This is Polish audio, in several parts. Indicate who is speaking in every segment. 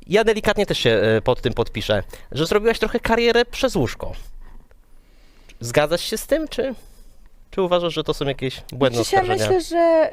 Speaker 1: ja delikatnie też się pod tym podpiszę, że zrobiłaś trochę karierę przez łóżko. Zgadzasz się z tym, czy uważasz, że to są jakieś błędne
Speaker 2: Znaczy, ja
Speaker 1: oskarżenia?
Speaker 2: myślę, że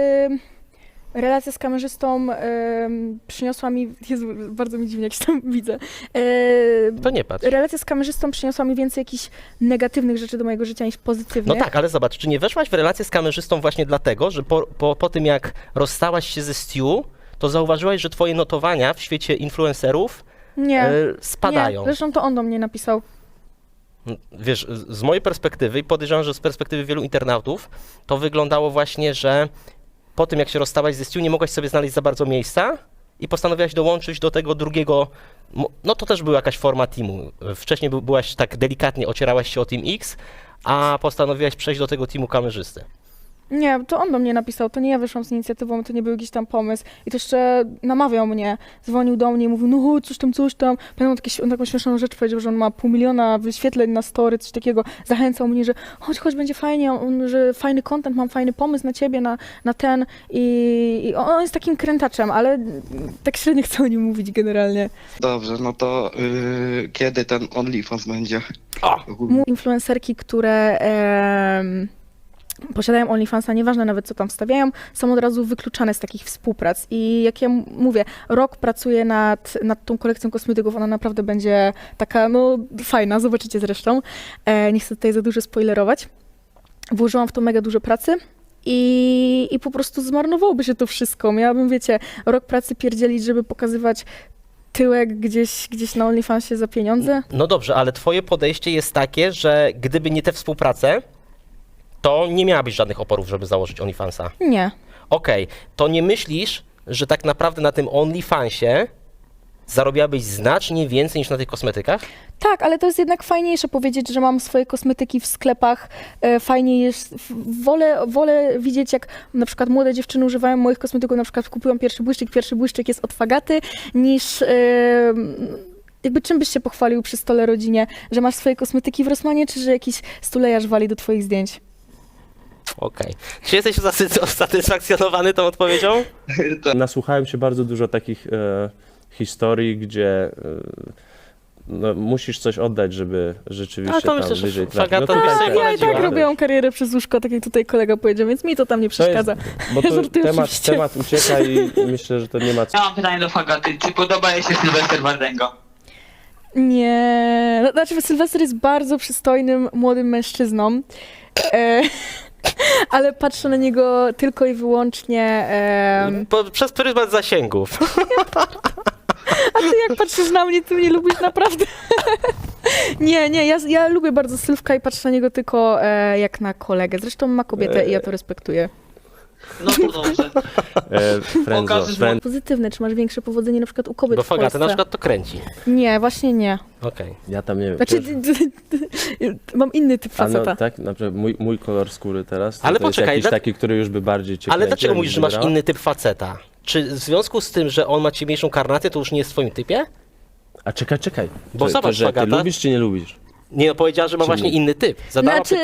Speaker 2: relacja z kamerzystą przyniosła mi, Jezu, bardzo mi dziwnie, jak się tam widzę.
Speaker 1: To nie patrz.
Speaker 2: Relacja z kamerzystą przyniosła mi więcej jakichś negatywnych rzeczy do mojego życia niż pozytywnych.
Speaker 1: No tak, ale zobacz, czy nie weszłaś w relację z kamerzystą właśnie dlatego, że po tym jak rozstałaś się ze Stu, to zauważyłaś, że twoje notowania w świecie influencerów
Speaker 2: Nie,
Speaker 1: spadają.
Speaker 2: nie, zresztą to on do mnie napisał.
Speaker 1: Wiesz, z mojej perspektywy i podejrzewam, że z perspektywy wielu internautów, to wyglądało właśnie, że po tym jak się rozstałaś ze Stu, nie mogłaś sobie znaleźć za bardzo miejsca i postanowiłaś dołączyć do tego drugiego, no to też była jakaś forma teamu. Wcześniej byłaś tak delikatnie, ocierałaś się o Team X, a postanowiłaś przejść do tego teamu kamerzysty.
Speaker 2: Nie, to on do mnie napisał, to nie ja wyszłam z inicjatywą, to nie był jakiś tam pomysł. I to jeszcze namawiał mnie, dzwonił do mnie i mówił, no coś tam. Pamiętam, on taką śmieszną rzecz powiedział, że on ma 500 000 wyświetleń na story, coś takiego. Zachęcał mnie, że chodź, będzie fajnie, że fajny content, mam fajny pomysł na ciebie, na ten. I on jest takim krętaczem, ale tak średnio chcę o nim mówić generalnie.
Speaker 3: Dobrze, no to kiedy ten OnlyFans będzie?
Speaker 2: Influencerki, które posiadają OnlyFansa, nieważne nawet co tam wstawiają, są od razu wykluczane z takich współprac. I jak ja mówię, rok pracuję nad tą kolekcją kosmetyków, ona naprawdę będzie taka, no fajna, zobaczycie zresztą. Nie chcę tutaj za dużo spoilerować. Włożyłam w to mega dużo pracy. I po prostu zmarnowałoby się to wszystko. Miałabym, wiecie, rok pracy pierdzielić, żeby pokazywać tyłek gdzieś na OnlyFansie za pieniądze.
Speaker 1: No dobrze, ale twoje podejście jest takie, że gdyby nie te współprace, to nie miałabyś żadnych oporów, żeby założyć OnlyFansa.
Speaker 2: Nie.
Speaker 1: Okej, to nie myślisz, że tak naprawdę na tym OnlyFansie zarobiłabyś znacznie więcej niż na tych kosmetykach?
Speaker 2: Tak, ale to jest jednak fajniejsze powiedzieć, że mam swoje kosmetyki w sklepach. Fajniej jest, wolę widzieć, jak na przykład młode dziewczyny używają moich kosmetyków, na przykład kupują pierwszy błyszczyk jest od Fagaty, niż jakby czym byś się pochwalił przy stole rodzinie, że masz swoje kosmetyki w Rossmanie, czy że jakiś stulejarz wali do twoich zdjęć?
Speaker 1: Okej. Czy jesteś usatysfakcjonowany tą odpowiedzią?
Speaker 4: Nasłuchałem się bardzo dużo takich historii, gdzie no, musisz coś oddać, żeby rzeczywiście
Speaker 1: to
Speaker 4: tam
Speaker 1: myślę, że
Speaker 4: wyżej
Speaker 1: Fagata
Speaker 4: trafić.
Speaker 1: by
Speaker 4: tak,
Speaker 1: sobie
Speaker 4: tak.
Speaker 2: Ja i tak
Speaker 1: poradziła.
Speaker 2: robiłam karierę przez łóżko, tak jak tutaj kolega powiedział, więc mi to tam nie
Speaker 4: To jest,
Speaker 2: przeszkadza.
Speaker 4: bo to
Speaker 2: Żartuję
Speaker 4: temat,
Speaker 2: oczywiście.
Speaker 4: temat ucieka i myślę, że to nie ma co.
Speaker 5: Ja mam pytanie do Fagaty. Czy podoba jej się Sylwester Wardęga?
Speaker 2: Nie, znaczy Sylwester jest bardzo przystojnym, młodym mężczyzną, ale patrzę na niego tylko i wyłącznie,
Speaker 1: Przez pryzmat zasięgów.
Speaker 2: a ty jak patrzysz na mnie, ty mnie lubisz naprawdę. Nie, ja lubię bardzo Sylwka i patrzę na niego tylko jak na kolegę, zresztą ma kobietę i ja to respektuję.
Speaker 5: No to dobrze. Pokażesz mu-
Speaker 2: Pozytywne, czy masz większe powodzenie na przykład u kobiet
Speaker 1: Bo
Speaker 2: w Polsce?
Speaker 1: Fagata na przykład to kręci.
Speaker 2: Nie, właśnie nie.
Speaker 1: Okej.
Speaker 4: Ja tam nie wiem.
Speaker 2: Znaczy, mam inny typ
Speaker 4: A no,
Speaker 2: faceta.
Speaker 4: tak, na przykład mój kolor skóry teraz,
Speaker 1: Ale
Speaker 4: to jest
Speaker 1: poczekaj,
Speaker 4: jakiś taki, który już by bardziej cię
Speaker 1: Ale
Speaker 4: kręcił,
Speaker 1: dlaczego
Speaker 4: jakbyś
Speaker 1: mówisz, że masz
Speaker 4: wybrała?
Speaker 1: inny typ faceta? Czy w związku z tym, że on ma ciemniejszą karnację, to już nie jest w twoim typie?
Speaker 4: A czekaj.
Speaker 1: Bo
Speaker 4: to,
Speaker 1: zobacz,
Speaker 4: że ty
Speaker 1: Fagata.
Speaker 4: lubisz czy nie lubisz?
Speaker 1: Nie, no powiedziała, że ma
Speaker 4: Czy
Speaker 1: właśnie
Speaker 4: nie?
Speaker 1: inny typ. Zadała
Speaker 2: Znaczy,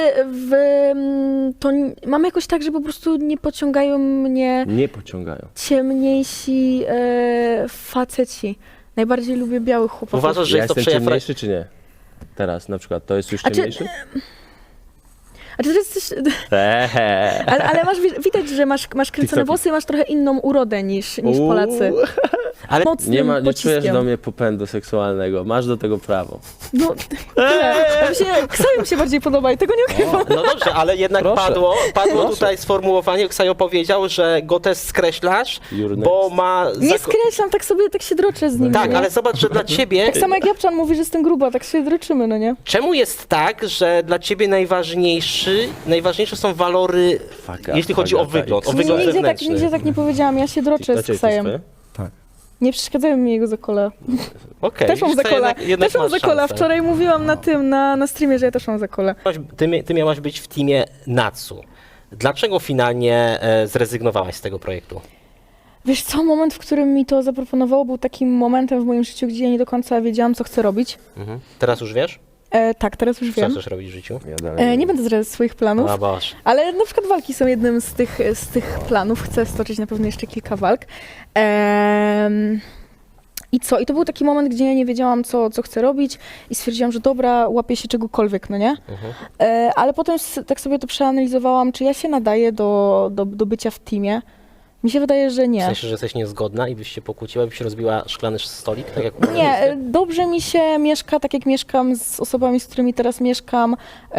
Speaker 2: mam jakoś tak, że po prostu nie pociągają mnie
Speaker 4: Nie pociągają.
Speaker 2: ciemniejsi faceci. Najbardziej lubię białych chłopaków.
Speaker 1: Uważasz, że
Speaker 4: Ja
Speaker 1: jest to
Speaker 4: jestem
Speaker 1: przejaw...
Speaker 4: ciemniejszy czy nie? Teraz na przykład, to jest już
Speaker 2: A czy-
Speaker 4: ciemniejszy?
Speaker 2: A czy to jest coś, ale widać, że masz kręcone
Speaker 4: TikToki.
Speaker 2: włosy i masz trochę inną urodę niż Polacy.
Speaker 1: Ale
Speaker 2: Mocnym
Speaker 4: Nie
Speaker 2: pociskiem.
Speaker 4: czujesz do mnie popędu seksualnego, masz do tego prawo.
Speaker 2: No, tyle. Ksajo mi się bardziej podoba i tego nie ukrywam.
Speaker 1: no dobrze, ale jednak
Speaker 4: Proszę.
Speaker 1: padło
Speaker 4: Proszę.
Speaker 1: tutaj sformułowanie, Ksajo powiedział, że go też skreślasz,
Speaker 4: You're
Speaker 1: bo
Speaker 4: next.
Speaker 1: ma...
Speaker 2: Nie skreślam, tak sobie, tak się droczę z nim.
Speaker 1: Tak,
Speaker 2: nie?
Speaker 1: ale zobacz, że dla ciebie...
Speaker 2: Tak samo jak Japczan mówi, że jestem gruba, tak się droczymy, no nie?
Speaker 1: Czemu jest tak, że dla ciebie najważniejsze są walory,
Speaker 4: Fagata,
Speaker 1: jeśli chodzi o
Speaker 4: Fagata
Speaker 1: wygląd, o
Speaker 4: X.
Speaker 1: wygląd
Speaker 2: Nigdzie
Speaker 1: zewnętrzny?
Speaker 2: tak nie powiedziałam, ja się droczę
Speaker 4: Dacie
Speaker 2: z
Speaker 4: to
Speaker 2: Ksajem.
Speaker 4: swoje?
Speaker 2: Nie przeszkadzają mi jego zakola.
Speaker 1: Okej,
Speaker 2: Też mam
Speaker 1: wiesz co,
Speaker 2: zakola.
Speaker 1: jednak
Speaker 2: Też mam
Speaker 1: masz
Speaker 2: zakola.
Speaker 1: szansę.
Speaker 2: Wczoraj mówiłam na streamie, że ja też mam zakola.
Speaker 1: Ty miałaś być w teamie Natsu. Dlaczego finalnie zrezygnowałaś z tego projektu?
Speaker 2: Wiesz co, moment, w którym mi to zaproponowało, był takim momentem w moim życiu, gdzie ja nie do końca wiedziałam, co chcę robić.
Speaker 1: Teraz już wiesz?
Speaker 2: Tak, teraz już
Speaker 1: Co
Speaker 2: wiem.
Speaker 1: chcesz robić w życiu?
Speaker 4: Ja dalej
Speaker 2: Nie będę zdradzać swoich planów,
Speaker 1: A Boże.
Speaker 2: ale na przykład walki są jednym z tych planów. Chcę stoczyć na pewno jeszcze kilka walk. I co? I to był taki moment, gdzie ja nie wiedziałam, co chcę robić i stwierdziłam, że dobra, łapię się czegokolwiek, no nie? Ale potem tak sobie to przeanalizowałam, czy ja się nadaję do bycia w teamie. Mi się wydaje, że
Speaker 1: W
Speaker 2: nie.
Speaker 1: sensie, że jesteś niezgodna i byś się pokłóciła, byś się rozbiła szklany stolik, tak jak
Speaker 2: Nie, dobrze mi się mieszka, tak jak mieszkam z osobami, z którymi teraz mieszkam.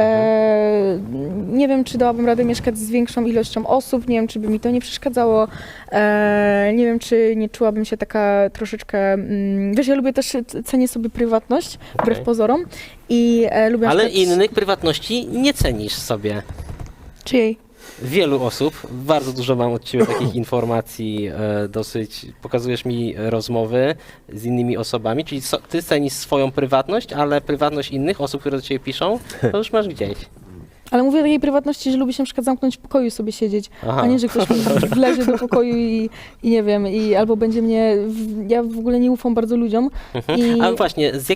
Speaker 2: Nie wiem, czy dałabym radę mieszkać z większą ilością osób, nie wiem, czy by mi to nie przeszkadzało. Nie wiem, czy nie czułabym się taka troszeczkę... Wiesz, ja lubię też, cenię sobie prywatność, wbrew
Speaker 1: Okej.
Speaker 2: pozorom. I lubię na
Speaker 1: Ale
Speaker 2: przykład-
Speaker 1: innych prywatności nie cenisz sobie.
Speaker 2: Czyjej?
Speaker 1: Wielu osób, bardzo dużo mam od ciebie takich informacji, dosyć, pokazujesz mi rozmowy z innymi osobami, czyli ty cenisz swoją prywatność, ale prywatność innych osób, które do ciebie piszą, to już masz gdzieś.
Speaker 2: Ale mówię o takiej prywatności, że lubię się na przykład zamknąć w pokoju i sobie siedzieć,
Speaker 1: Aha.
Speaker 2: a nie, że ktoś mi wlezie do pokoju i nie wiem, albo będzie mnie... Ja w ogóle nie ufam bardzo ludziom.
Speaker 1: Ale właśnie, z